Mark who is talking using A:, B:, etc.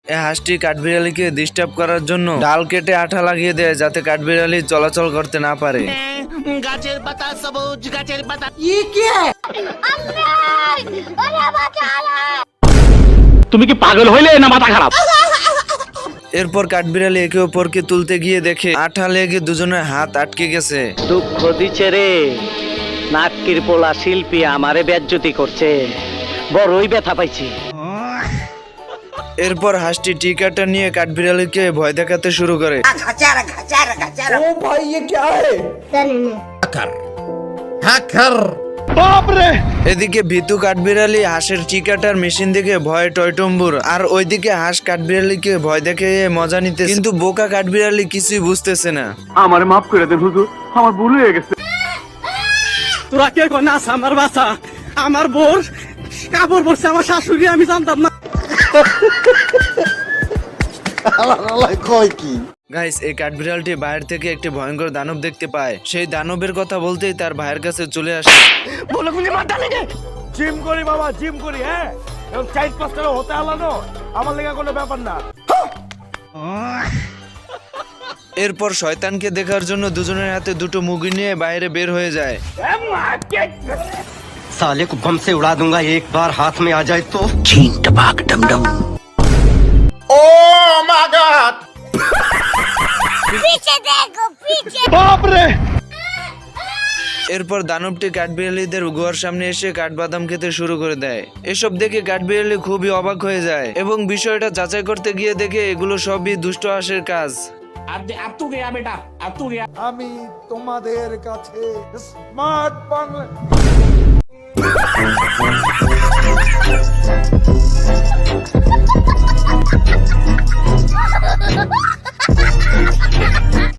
A: এই হাঁসটি কাঠবিড়ালিকে ডিস্টার্ব করার জন্য ডাল কেটে আঠা লাগিয়ে দেয় যাতে কাঠবিড়ালি চলাচল করতে না পারে।
B: গাছের পাতা সবুজ, গাছের পাতা।
C: তুমি কি পাগল হইলে না মাথা খারাপ?
A: এরপর কাঠবিড়ালি একে অপরকে তুলতে গিয়ে দেখে আঠা লেগে দুজনের হাত আটকে গেছে।
C: দুঃখ দিচ্ছে রে, নাটকির পোলা শিল্পী আমারে বেজ্জতি করছে, বড়ই ব্যথা পাইছি।
A: এরপর হাঁসটি টিকাটা নিয়ে কাঠবিড়ালিকে ভয় দেখাতে শুরু করে। এদিকে ভীতু কাঠবিড়ালি হাঁসের টিকাটার মেশিন দেখে ভয়ে টয়টম্বুর, আর ওইদিকে হাঁস কাঠবিড়ালিকে ভয় দেখে মজা নিতে, কিন্তু বোকা কাঠবিড়ালি কিছুই বুঝতেছে না।
D: আমার মাফ করে দেন হুজুর, আমার ভুল হয়ে গেছে।
C: তোরা কে নাস আমার বাসা, আমার বোর কাপড় পরছে আমার শাশুড়ি, আমি জানতাম না।
A: গাইস, এই কাঠবিড়ালটি বাইরে থেকে একটি ভয়ঙ্কর দানব দেখতে পায়। সেই দানবের কথা বলতেই তার ভাইয়ের কাছে চলে আসে।
D: জিম করি বাবা, জিম করি, হ্যাঁ, এবং 4-5 টাকা হতে আলানো আমার লেগে কোনো ব্যাপার না।
A: এরপর শয়তানকে দেখার জন্য দুজনের হাতে দুটো মুগি নিয়ে বাইরে বের হয়ে যায়।
E: साले को बम से उड़ा दूंगा एक बार हाथ में आ जाए तो।
A: এরপর দানবটি কাঠবিড়ালিদের গুহার সামনে এসে কাঠবাদাম খেতে শুরু করে দেয়। এসব দেখে কাঠবিড়ালি খুবই অবাক হয়ে যায় এবং বিষয়টা যাচাই করতে গিয়ে দেখে এগুলো সবই দুষ্ট হাঁসের কাজ।
F: আমি তোমাদের কাছে স্মার্ট বাংলা